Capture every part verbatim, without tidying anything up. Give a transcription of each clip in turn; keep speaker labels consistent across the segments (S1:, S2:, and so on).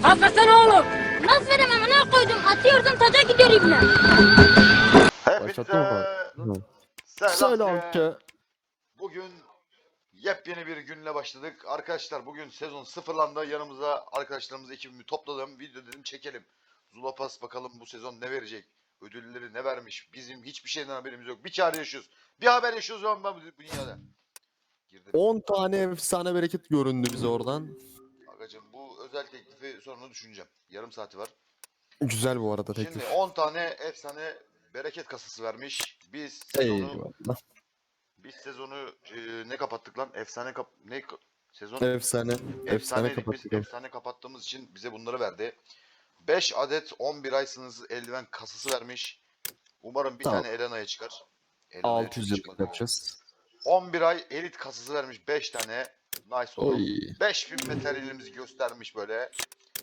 S1: Affetsene oğlum. Nasıl veremem ne koydum? Atıyordum taca gidiyor ibne.
S2: Başlattın mı?
S3: Hepinize
S2: Hı.
S3: selam
S2: Selam
S3: ki.
S2: ki.
S3: Bugün yepyeni bir günle başladık. Arkadaşlar bugün sezon sıfırlandı. Yanımıza arkadaşlarımız ekibimi topladım. Video dedim çekelim. Zulapas bakalım bu sezon ne verecek? Ödülleri ne vermiş? Bizim hiçbir şeyden haberimiz yok. Bir çare yaşıyoruz. Bir haber yaşıyoruz ama bu bu dünyada. Girdim.
S2: on tane efsane bereket göründü bize oradan.
S3: Agacım bu özel teklifi sonra düşüneceğim. Yarım saati var.
S2: Güzel bu arada
S3: Şimdi
S2: teklif.
S3: on tane efsane bereket kasası vermiş. Biz sezonu
S2: Eyvallah.
S3: Biz sezonu e, ne kapattık lan? Efsane kap ne ka- sezon
S2: Efsane. Efsane
S3: efsaneydik biz.
S2: kapattık. abi.
S3: Efsane kapattığımız için bize bunları verdi. beş adet on bir ay sınırsız eldiven kasası vermiş. Umarım bir
S2: Tamam.
S3: tane Elena'ya çıkar. Elena'ya
S2: altı yüz
S3: çok
S2: yıllık
S3: çıkmadı.
S2: yapacağız.
S3: on bir ay elit kasası vermiş beş tane. Nice oldu.
S2: Oy.
S3: beş bin materyalimizi göstermiş böyle.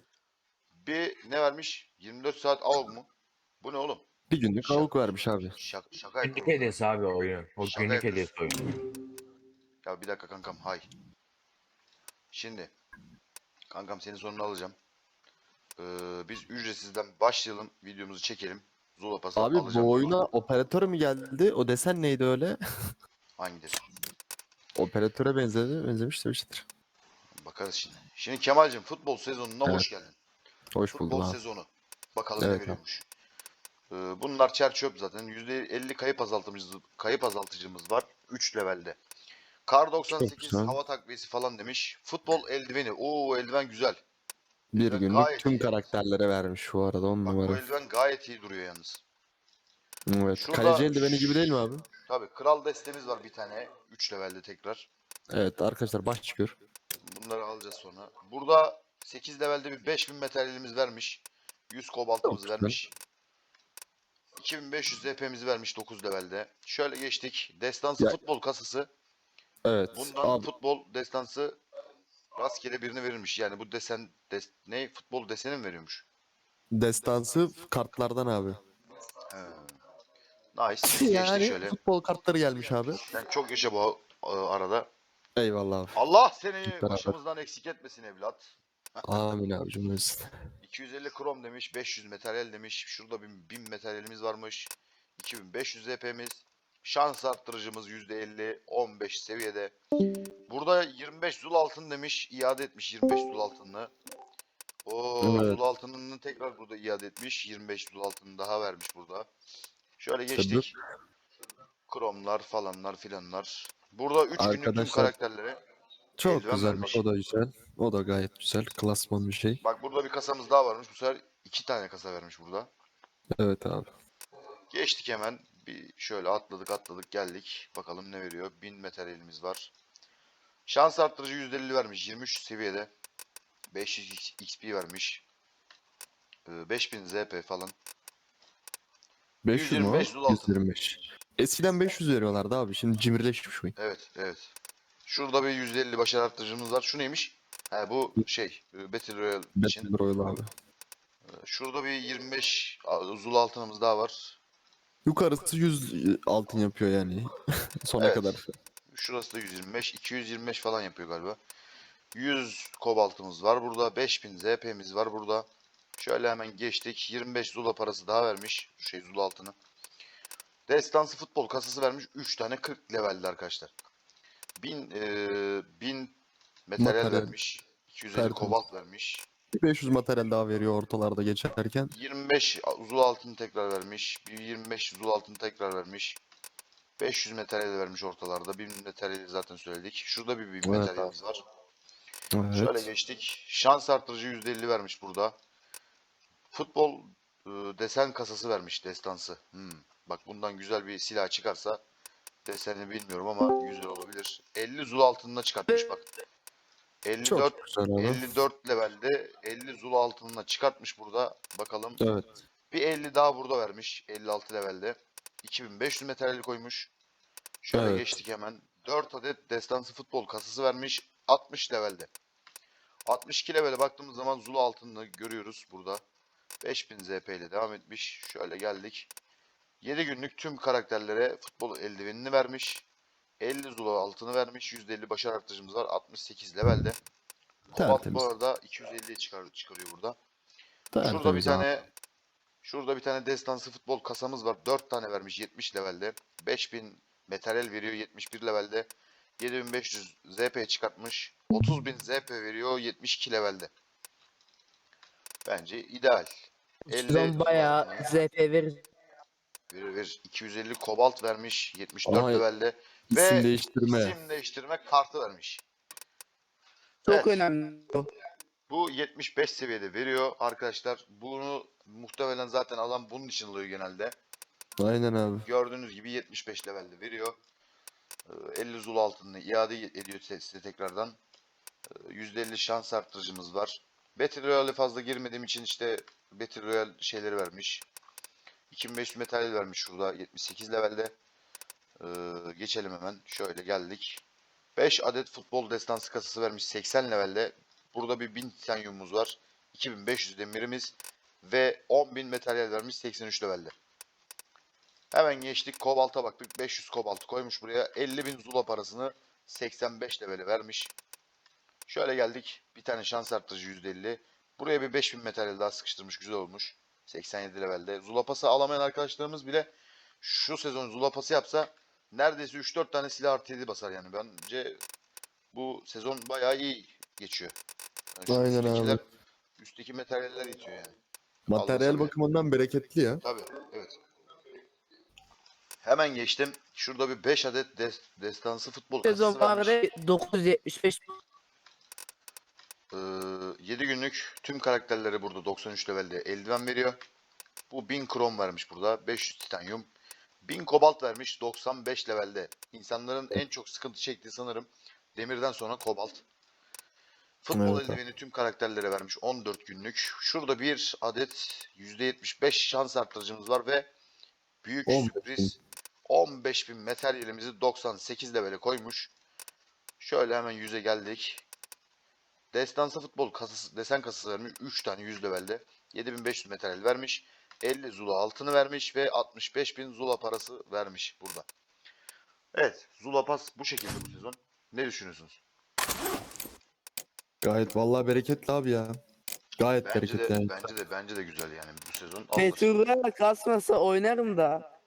S3: Bir ne vermiş? yirmi dört saat av mu? Bu ne oğlum?
S2: Bir günlük
S3: Şaka,
S2: avuk vermiş abi.
S3: şaka, şaka
S4: Günlük
S3: yapıyorum.
S4: hediyesi abi o oyun. O
S3: Şaka
S4: günlük
S3: yapıyorsun.
S4: hediyesi oyun.
S3: Ya bir dakika kankam hay. Şimdi kankam senin sonunu alacağım. Ee, biz ücretsizden başlayalım. Videomuzu çekelim. Zula pası
S2: Abi
S3: alacağım.
S2: bu oyuna operatör mü geldi? O desen neydi öyle?
S3: Hangileri?
S2: Operatöre benzedi. Benzemiş de bir şeydir.
S3: Bakarız şimdi. Şimdi Kemal'cim futbol sezonuna
S2: Evet.
S3: hoş geldin.
S2: Hoş
S3: Futbol
S2: buldum abi.
S3: sezonu. Bakalım
S2: Evet
S3: ne
S2: abi.
S3: veriyormuş. Ee, bunlar çer çöp zaten. yüzde elli kayıp azaltıcımız, kayıp azaltıcımız var. üç levelde. Kar doksan
S2: Çok
S3: sekiz
S2: güzel.
S3: hava takviyesi falan demiş. Futbol eldiveni. Oo eldiven güzel.
S2: Bir
S3: Eldiven
S2: günlük
S3: gayet
S2: tüm
S3: iyi yalnız.
S2: karakterlere vermiş bu arada on
S3: Bak bu
S2: numara.
S3: eldiven gayet iyi duruyor yalnız.
S2: Evet.
S3: Şurada
S2: Kaleci eldiveni gibi değil mi abi?
S3: Tabii kral destemiz var bir tane. üç levelde tekrar.
S2: Evet arkadaşlar baş çıkıyor.
S3: Bunları alacağız sonra. Burada sekiz levelde bir beş bin materyalimiz vermiş. yüz kobaltımız
S2: Çok güzel.
S3: vermiş. iki bin beş yüz Z P'mizi vermiş dokuz levelde. Şöyle geçtik. Destansı
S2: Ya-
S3: futbol kasası.
S2: Evet.
S3: Bundan
S2: Abi
S3: futbol destansı rastgele birine verilmiş. Yani bu desen des, ne futbol deseni mi veriyormuş?
S2: destansı kartlardan abi.
S3: He. Nice. Geçtik
S2: Yani
S3: şöyle.
S2: futbol kartları gelmiş abi.
S3: Sen çok yaşa bu e, arada.
S2: Eyvallah abi.
S3: Allah seni
S2: beraber.
S3: başımızdan eksik etmesin evlat.
S2: Amin abi cümlesi.
S3: iki yüz elli krom demiş, beş yüz materyal demiş. Şurada bin, bin materyalimiz varmış. iki bin beş yüz Z P'miz. Şans arttırıcımız yüzde elli, on beş seviyede. Burada yirmi beş zul altın demiş, iade etmiş yirmi beş zul altınını. O
S2: Evet.
S3: zul altınını tekrar burada iade etmiş. yirmi beş zul altını daha vermiş burada. Şöyle
S2: Tabii.
S3: geçtik. Kromlar falanlar filanlar. Burada üç günlük tüm
S2: Arkadaşlar,
S3: karakterlere
S2: Çok
S3: eldiven
S2: güzelmiş.
S3: vermiş.
S2: O da güzel. O da gayet güzel. Klasman bir şey.
S3: Bak burada bir kasamız daha varmış. Bu sefer iki tane kasa vermiş burada.
S2: Evet abi.
S3: Geçtik hemen. Bir şöyle atladık atladık geldik. Bakalım ne veriyor. bin materyalimiz var. Şans arttırıcı yüzde elli vermiş. yirmi üç seviyede. beş yüz X P vermiş. Ee, beş bin Z P falan.
S2: beş yüz mü o?
S3: yüz yirmi beş zul altın.
S2: yüz yirmi beş. Eskiden beş yüz veriyorlardı abi. Şimdi cimrileşmiş oyun.
S3: Evet evet. Şurada bir yüzde elli başarı arttırıcımız var. Şu neymiş? He bu şey. e, Battle Royale için.
S2: Battle Royale abi.
S3: Ee, Şurada bir yirmi beş zul altınımız daha var.
S2: Yukarısı yüz altın yapıyor yani. Sona
S3: Evet.
S2: kadar.
S3: Şurası da yüz yirmi beş. iki yüz yirmi beş falan yapıyor galiba. yüz kobaltımız var burada. beş bin Z P'miz var burada. Şöyle hemen geçtik. yirmi beş zula parası daha vermiş. Şey zula altını. Destansı futbol kasası vermiş. üç tane kırk levelde arkadaşlar. bin, e, bin materyal
S2: Materyal.
S3: vermiş. iki yüz elli
S2: Tertemiz.
S3: kobalt vermiş.
S2: Bir beş yüz materyal daha veriyor ortalarda geçerken.
S3: yirmi beş zul altını tekrar vermiş. Bir yirmi beş zul altını tekrar vermiş. beş yüz materyal vermiş ortalarda. bin materyali zaten söyledik. Şurada bir bin
S2: Evet
S3: materyalimiz var. Şöyle
S2: Evet.
S3: geçtik. Şans artırıcı yüzde elli vermiş burada. Futbol e, desen kasası vermiş destansı. Hmm. Bak bundan güzel bir silah çıkarsa desenini bilmiyorum ama güzel olabilir. elli zul altınına çıkartmış bak. elli dört
S2: Çok güzel abi.
S3: elli dört levelde elli zul altınına çıkartmış burada. Bakalım.
S2: Evet.
S3: Bir elli daha burada vermiş. elli altı levelde. iki bin beş yüz materyali koymuş. Şöyle
S2: Evet.
S3: geçtik hemen. dört adet destansı futbol kasası vermiş. altmış levelde. altmış iki levele baktığımız zaman Zulu altını görüyoruz burada. beş bin Z P ile devam etmiş. Şöyle geldik. yedi günlük tüm karakterlere futbol eldivenini vermiş. elli Zulu altını vermiş. yüzde elli başarı artırıcımız var. altmış sekiz levelde. Kobalt bu
S2: Tertemiz.
S3: arada iki yüz elliye çıkar, çıkarıyor burada. Şurada bir
S2: Tertemiz abi.
S3: tane şurada bir tane destansı futbol kasamız var. dört tane vermiş yetmiş levelde. beş bin materyal veriyor yetmiş bir levelde. yedi bin beş yüz Z P çıkartmış. otuz bin Z P veriyor yetmiş iki levelde. Bence ideal. elli
S4: Sezon bayağı Z P verir.
S3: verir, verir. iki yüz elli kobalt vermiş yetmiş dört
S2: Aha,
S3: levelde.
S2: İsim
S3: Ve
S2: değiştirme.
S3: isim değiştirme kartı vermiş.
S4: Çok
S3: Evet.
S4: önemli bu.
S3: Bu yetmiş beş seviyede veriyor arkadaşlar. Bunu muhtemelen zaten alan bunun için alıyor genelde.
S2: Aynen abi.
S3: Gördüğünüz gibi yetmiş beş levelde veriyor. Ee, elli zul altını iade ediyor size tekrardan. Ee, yüzde elli şans arttırıcımız var. Battle Royale'e fazla girmediğim için işte Battle Royale şeyleri vermiş. iki bin beş yüz metal vermiş şurada yetmiş sekiz levelde. Ee, geçelim hemen. Şöyle geldik. beş adet futbol destansı kasası vermiş seksen levelde. Burada bir bin titanyumumuz var. iki bin beş yüz demirimiz ve on bin materyal vermiş seksen üç levelde. Hemen geçtik. Kobalt'a baktık. beş yüz kobalt koymuş buraya. elli bin zula parasını seksen beş levele vermiş. Şöyle geldik. Bir tane şans arttırıcı yüzde elli. Buraya bir beş bin materyal daha sıkıştırmış. Güzel olmuş. seksen yedi levelde. Zula pası alamayan arkadaşlarımız bile şu sezon zula pası yapsa neredeyse üç dört tane silah artı yedi basar yani. Bence bu sezon bayağı iyi geçiyor. Yani şu
S2: Aynen
S3: üsttekiler,
S2: abi.
S3: üstteki materyaller yetiyor yani.
S2: Materyal
S3: Alınsa bile.
S2: bakımından bereketli ya.
S3: Tabii, evet. Hemen geçtim. Şurada bir beş adet des- destansı futbol
S4: Sezon
S3: kasası vermiş.
S4: vardı dokuz yüz yetmiş beş.
S3: Ee, yedi günlük tüm karakterleri burada doksan üç levelde eldiven veriyor. Bu bin krom vermiş burada. beş yüz titanyum. bin kobalt vermiş doksan beş levelde. İnsanların en çok sıkıntı çektiği sanırım demirden sonra kobalt. Futbol
S2: Evet abi.
S3: eldiveni tüm karakterlere vermiş on dört günlük. Şurada bir adet yüzde yetmiş beş şans arttırıcımız var ve büyük
S2: on beş
S3: sürpriz on beş bin materyalimizi doksan sekiz levele koymuş. Şöyle hemen yüze geldik. Destansı futbol kasası, desen kasası vermiş. üç tane yüz levelde. yedi bin beş yüz materyal vermiş. elli zula altını vermiş ve altmış beş bin zula parası vermiş burada. Evet, zula pas bu şekilde bu sezon. Ne düşünüyorsunuz?
S2: Gayet vallahi bereketli abi ya. Gayet
S3: Bence
S2: bereketli
S3: de
S2: yani.
S3: bence de bence de güzel yani bu sezon alınır.
S4: Meteor'a kasmasa oynarım da.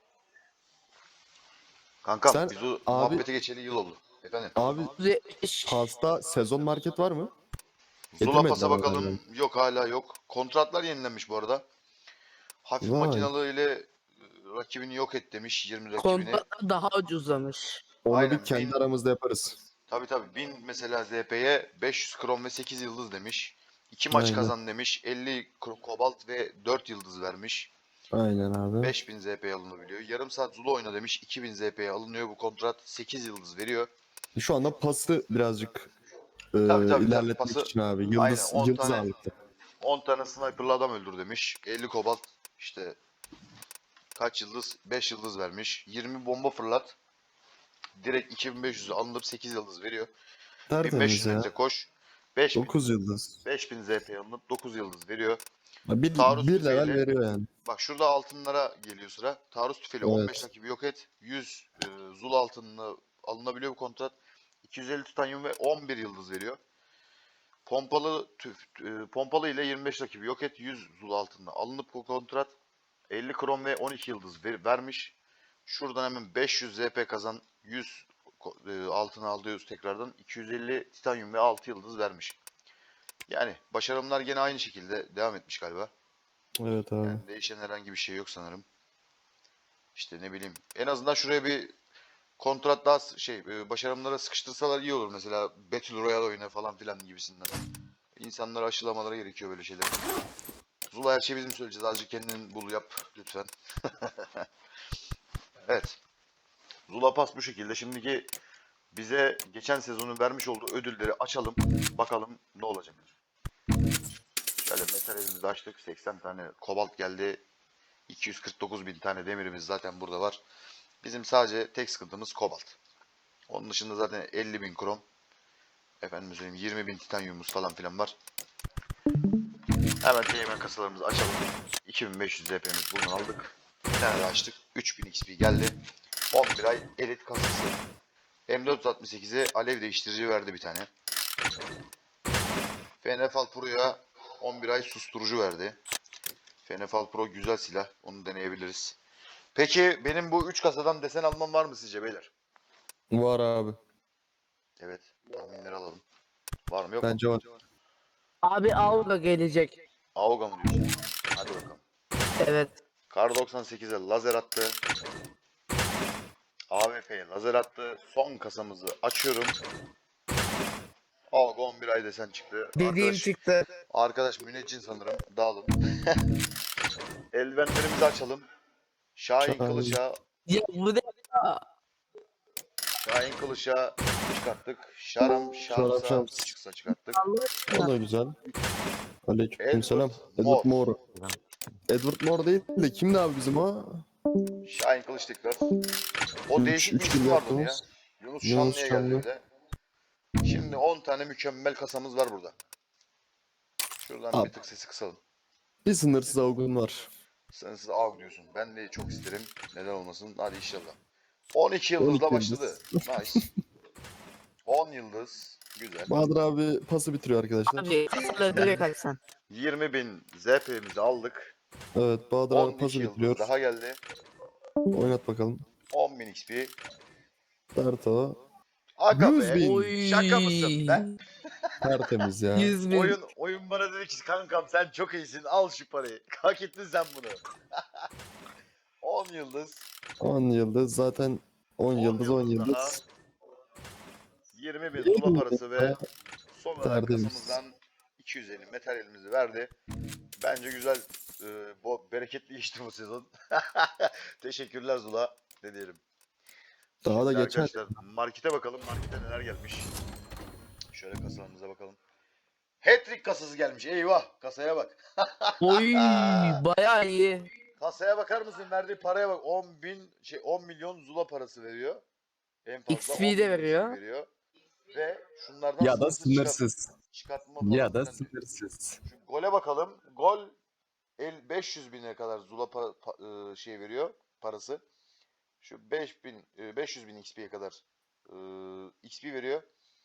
S3: Kankam
S2: Sen
S3: biz o
S2: abi-
S3: muhabbete geçeli yıl oldu. Efendim.
S2: Abi
S4: dokuz yüz yetmiş beş.
S2: pasta sezon market var mı?
S3: Zula
S2: Getirmediler
S3: pasa
S2: ama
S3: bakalım.
S2: galiba.
S3: Yok hala yok. Kontratlar yenilenmiş bu arada. Hafif
S2: Vay.
S3: makinalı ile e, rakibini yok et demiş. yirmi rakibini.
S4: Kontratlar daha ucuzlamış.
S2: Onu
S3: Aynen,
S2: bir kendi
S3: bin-
S2: aramızda yaparız.
S3: Tabii tabii. bin mesela Z P'ye beş yüz krom ve sekiz yıldız demiş. iki maç
S2: Aynen.
S3: kazan demiş. elli kro- kobalt ve dört yıldız vermiş.
S2: Aynen abi.
S3: beş bin Z P'ye alınabiliyor. Yarım saat Zula oyna demiş. iki bin Z P'ye alınıyor bu kontrat. sekiz yıldız veriyor.
S2: Şu anda pası birazcık e,
S3: Tabii, tabii,
S2: ilerletmek
S3: pası-
S2: için abi. Yıldız,
S3: Aynen, on
S2: yıldız
S3: tane-
S2: ağırlıklı.
S3: on tane sniperlı adam öldür demiş. elli kobalt işte kaç yıldız? beş yıldız vermiş. yirmi bomba fırlat. Direkt iki bin beş yüz'ü alınıp sekiz yıldız veriyor. bin beş
S2: Tertemiz
S3: yüz
S2: ya.
S3: metre koş. beş bin,
S2: dokuz yıldız.
S3: beş bin Z P'ye alınıp dokuz yıldız veriyor.
S2: Bir,
S3: Taarruz
S2: bir level
S3: tüfeğiyle-
S2: veriyor yani.
S3: Bak şurada altınlara geliyor sıra. Taarruz tüfeğiyle
S2: Evet.
S3: on beş rakibi yok et. yüz e, zul altınına alınabiliyor bu kontrat. iki yüz elli titanyum ve on bir yıldız veriyor. Pompalı tüf, e, pompalı ile yirmi beş rakibi yok et. yüz zul altınına alınıp bu kontrat. elli krom ve on iki yıldız ver- vermiş. Şuradan hemen beş yüz Z P kazan. yüz ko- e, altına alıyoruz tekrardan. iki yüz elli titanyum ve altı yıldız vermiş. Yani başarımlar gene aynı şekilde devam etmiş galiba.
S2: Evet abi.
S3: Yani değişen herhangi bir şey yok sanırım. İşte ne bileyim. En azından şuraya bir kontrat daha s- şey e, başarımlara sıkıştırsalar iyi olur. Mesela Battle Royale oyunu falan filan gibisinden. İnsanları aşılamaları gerekiyor böyle şeyler. Zula her şeyi bizim söyleyeceğiz. Azıcık kendin bul yap lütfen. Evet. Zula Pass bu şekilde. Şimdiki bize geçen sezonun vermiş olduğu ödülleri açalım. Bakalım ne olacak. Şöyle metalimizi açtık. seksen tane kobalt geldi. iki yüz kırk dokuz bin tane demirimiz zaten burada var. Bizim sadece tek sıkıntımız kobalt. Onun dışında zaten elli bin krom. Efendim söyleyeyim yirmi bin titanyumumuz falan filan var. Hemen teğmen kasalarımızı açalım. iki bin beş yüz Z P'miz buradan aldık. Bir tane daha açtık. üç bin X P geldi. on bir ay elit kasası. M dört yüz altmış sekize alev değiştirici verdi bir tane. Fenefal Pro'ya on bir ay susturucu verdi. Fenefal Pro güzel silah. Onu deneyebiliriz. Peki benim bu üç kasadan desen almam var mı sizce beyler?
S2: Var abi.
S3: Evet. Tahminleri alalım. Var mı yok mu?
S2: Bence var.
S4: Abi Avga gelecek.
S3: Aoga mı diyorsun? Hadi bakalım.
S4: Evet.
S3: Kar doksan sekize lazer attı. A W P'ye lazer attı. Son kasamızı açıyorum. Aoga on bir ay desen çıktı.
S4: Dediğim
S3: Arkadaş,
S4: çıktı.
S3: arkadaş müneccin sanırım. Dağılın. Eldivenlerimizi açalım. Şahin
S2: Şahin.
S3: Kılıç'a
S4: Ya bu ne ya?
S3: Şahin Kılıç'a çıkarttık. Şaram
S2: Şarap
S3: Şams'a
S2: Şams.
S3: çıksa çıkarttık.
S4: Allah
S2: O
S4: aşkına.
S2: da güzel. Aleykümselam.
S3: Edward
S2: Edward
S3: Moore.
S2: Moore. Edward Moore değil de kimdi abi bizim o?
S3: Şahin Kılıç tekrar. O
S2: Üç-
S3: değişik bir
S2: üç
S3: isim
S2: bin
S3: vardı onun ya.
S2: yaptığımız.
S3: Yunus
S2: Yunus
S3: Şanlı'ya geldi
S2: Şanlı.
S3: bir de. Şimdi on tane mükemmel kasamız var burada. Şuradan
S2: Abi.
S3: bir tık sesi kısalım.
S2: Bir sınırsız avgun var.
S3: Sen siz av diyorsun. Ben de çok isterim. Neden olmasın? Hadi inşallah. on iki
S2: on iki
S3: yıldızla
S2: yıldız.
S3: başladı. Nice. on yıldız. Güzel.
S2: Bahadır abi pası bitiriyor arkadaşlar.
S4: Abi kasaları direkt açsan.
S3: yirmi bin Z P'mizi aldık.
S2: Evet Bahadır abi
S3: on iki
S2: pası
S3: yıldız
S2: bitiriyor.
S3: daha geldi.
S2: Oynat bakalım.
S3: on bin X P.
S2: Darto.
S3: Aga
S2: yüz
S3: be.
S2: bin.
S4: Oy.
S3: Şaka mısın be?
S2: Tertemiz ya.
S4: yüz bin.
S3: Oyun oyun bana dedi ki kankam sen çok iyisin al şu parayı. Hak ettin sen bunu. on yıldız.
S2: on yıldız zaten on yıldız on
S3: daha.
S2: yıldız.
S3: yirmi bin tula parası ve son olarak
S2: Tertemiz.
S3: kasamızdan iki yüz elli materyalimizi verdi. Bence güzel, e, bu bereketli geçti bu sezon. Teşekkürler Zula. Ne diyelim.
S2: Daha da
S3: Şimdi
S2: geçer.
S3: arkadaşlar markete bakalım. Markete neler gelmiş. Şöyle kasalarımıza bakalım. Hat-trick kasası gelmiş. Eyvah. Kasaya bak.
S4: Oy bayağı iyi.
S3: Kasaya bakar mısın? Verdiği paraya bak. on bin şey on milyon Zula parası veriyor. En fazla
S4: X
S3: on
S4: P de
S3: milyon
S4: veriyor.
S3: X P veriyor. Ve şunlardan
S2: Ya da
S3: sınırsız çıkart-
S2: sınırsız.
S3: çıkartma falan
S2: Ya da
S3: filan diyor.
S2: sınırsız.
S3: Şu gole bakalım. Gol el beş yüz bine kadar Zula pa- pa- e, şey veriyor parası. Şu beş bin e, beş yüz bin X P'ye kadar e, X P veriyor.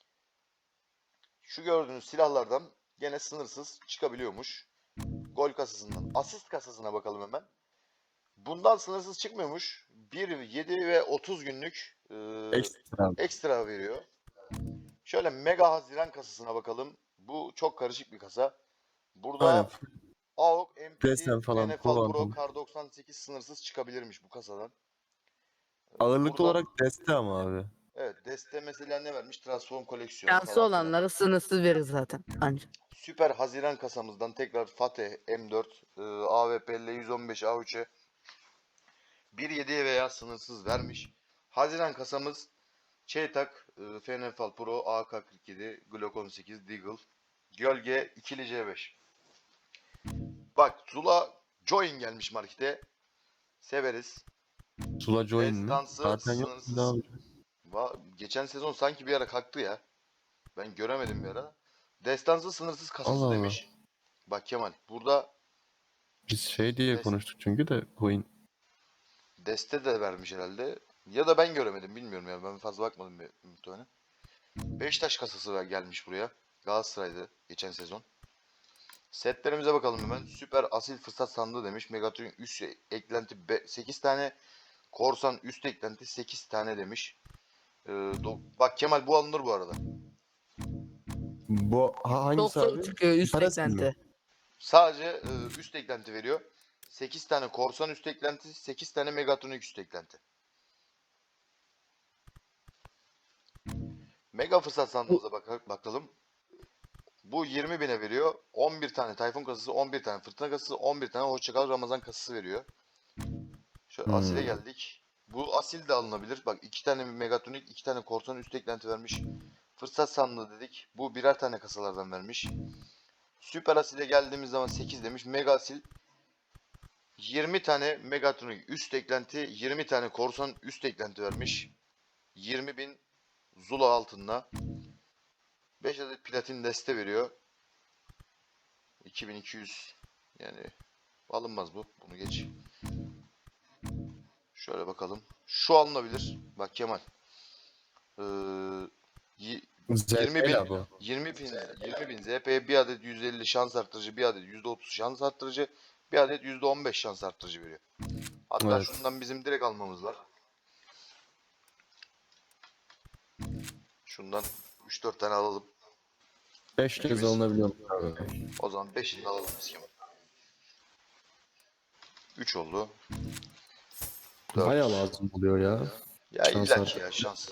S3: Şu gördüğünüz silahlardan gene sınırsız çıkabiliyormuş. Gol kasasından. Asist kasasına bakalım hemen. Bundan sınırsız çıkmıyormuş. bir, yedi ve otuz günlük e,
S2: Ekstra.
S3: ekstra veriyor. Şöyle Mega Haziran kasasına bakalım. Bu çok karışık bir kasa. Burada
S2: Aynen.
S3: A O K, M P T,
S2: Presen falan,
S3: N F L Pro,
S2: Kuantum.
S3: Kar doksan sekiz sınırsız çıkabilirmiş bu kasadan.
S2: Ağırlıklı
S3: Burada-
S2: olarak deste ama abi.
S3: Evet, deste mesela ne vermiş? Transform koleksiyonu
S4: Şansı
S3: falan filan.
S4: olanları sınırsız verir zaten. Anca.
S3: Süper Haziran kasamızdan tekrar Fateh M dört, e, A W P L yüz on beş A üç'e bir yediye veya sınırsız vermiş. Haziran kasamız Çeytak, e, F N F L Pro, A K kırk yedi, Glock on sekiz, Deagle, Gölge ikili C beş. Bak Zula Join gelmiş markete. Severiz.
S2: Sula Join mi?
S3: Destansı
S2: Zaten yok.
S3: sınırsız.
S2: Ne abi?
S3: Va- Geçen sezon sanki bir ara kalktı ya. Ben göremedim bir ara. Destansı sınırsız kasası
S2: Allah Allah.
S3: demiş. Bak Kemal burada
S2: Biz şey diye
S3: Des-
S2: konuştuk çünkü de coin.
S3: deste de vermiş herhalde. Ya da ben göremedim bilmiyorum ya. Ben fazla bakmadım bir muhtemelen. Beşiktaş kasası var- gelmiş buraya. Galatasaray'da geçen sezon. Setlerimize bakalım hemen. Süper asil fırsat sandığı demiş. Megatron üst eklenti be- sekiz tane. Korsan üst eklenti sekiz tane demiş. Ee, do- bak Kemal bu alınır bu arada.
S2: Bu ha, hangisi
S4: Çok
S2: abi?
S4: çıkıyor üst
S2: Parası mı?
S4: eklenti.
S3: Sadece e, üst eklenti veriyor. sekiz tane korsan üst eklenti, sekiz tane Megatronik üst eklenti. Mega fırsat sandığımıza bak bakalım. Bu yirmi bine veriyor. on bir tane Tayfun kasası, on bir tane Fırtına kasası, on bir tane Hoşçakal Ramazan kasası veriyor. Şöyle
S2: Hmm.
S3: Asil'e geldik. Bu Asil de alınabilir. Bak iki tane Megatronik, iki tane korsan üst eklenti vermiş. Fırsat sandığı dedik. Bu birer tane kasalardan vermiş. Süper Asil'e geldiğimiz zaman sekiz demiş. Mega Asil yirmi tane Megatronik üst eklenti, yirmi tane korsan üst eklenti vermiş. yirmi bin Zula altınla. beş adet platin deste veriyor. iki bin iki yüz yani alınmaz bu. Bunu geç. Şöyle bakalım. Şu alınabilir. Bak Kemal. Ee, y- yirmi bin,
S2: Zeyla bu.
S3: yirmi bin, yirmi bin Z P'ye bir adet yüz elli şans arttırıcı, bir adet yüzde otuz şans arttırıcı, bir adet yüzde on beş şans arttırıcı veriyor. Hatta
S2: Evet.
S3: şundan bizim direkt almamız var. Şundan üç dört tane alalım.
S2: beş kez alınabiliyor abi.
S3: O zaman beşini de alalım biz Kemal. üç oldu. dört.
S2: Baya lazım oluyor ya.
S3: Ya
S2: Şans
S3: illa ki
S2: artık.
S3: ya şans.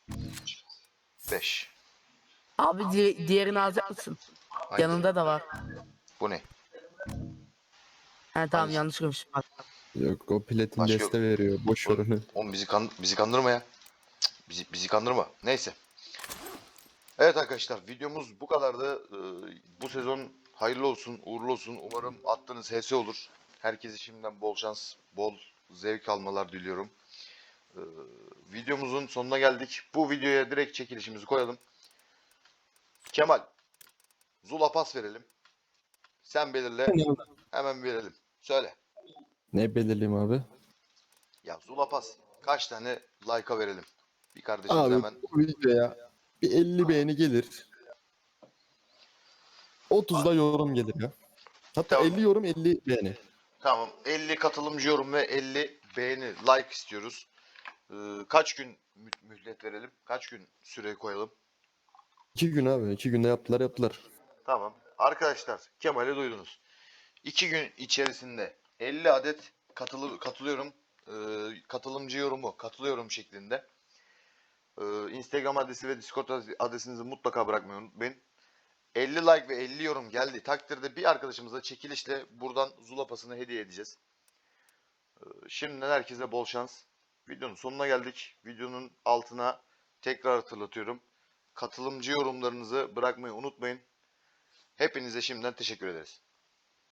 S3: beş.
S4: Abi di diğerini alacak mısın?
S3: Hangi?
S4: Yanında da var.
S3: Bu ne?
S4: He tamam
S3: Hangisi?
S4: yanlış görmüşüm. Bak.
S2: Yok o platin
S3: Başka
S2: deste
S3: yok.
S2: veriyor. Boş ver onu.
S3: Oğlum bizi, kan bizi kandırma ya. Cık, Bizi, bizi kandırma. Neyse. Evet arkadaşlar videomuz bu kadardı. Ee, bu sezon hayırlı olsun, uğurlu olsun. Umarım attığınız H S olur. Herkese şimdiden bol şans, bol zevk almalar diliyorum. Ee, videomuzun sonuna geldik. Bu videoya direkt çekilişimizi koyalım. Kemal, Zula pas verelim. Sen belirle, hemen verelim. Söyle.
S2: Ne belirleyeyim abi?
S3: Ya Zula pas kaç tane like'a verelim? Bir kardeşimiz
S2: Abi
S3: hemen.
S2: bu videoya bir elli beğeni gelir. otuz da yorum gelir ya. Hatta
S3: Tamam.
S2: elli yorum elli beğeni.
S3: Tamam. elli katılımcı yorum ve elli beğeni, like istiyoruz. Ee, kaç gün mü- mühlet verelim? Kaç gün süre koyalım?
S2: iki gün abi. iki günde yaptılar yaptılar.
S3: Tamam. Arkadaşlar Kemal'i duydunuz. iki gün içerisinde elli adet katılı, katılıyorum. Ee, katılımcı yorumu katılıyorum şeklinde. Ee, Instagram adresi ve Discord adresinizi mutlaka bırakmayı unutmayın. elli like ve elli yorum geldi takdirde bir arkadaşımıza çekilişle buradan Zula pasını hediye edeceğiz. Ee, Şimdiden herkese bol şans. Videonun sonuna geldik. Videonun altına tekrar hatırlatıyorum. Katılımcı yorumlarınızı bırakmayı unutmayın. Hepinize şimdiden teşekkür ederiz.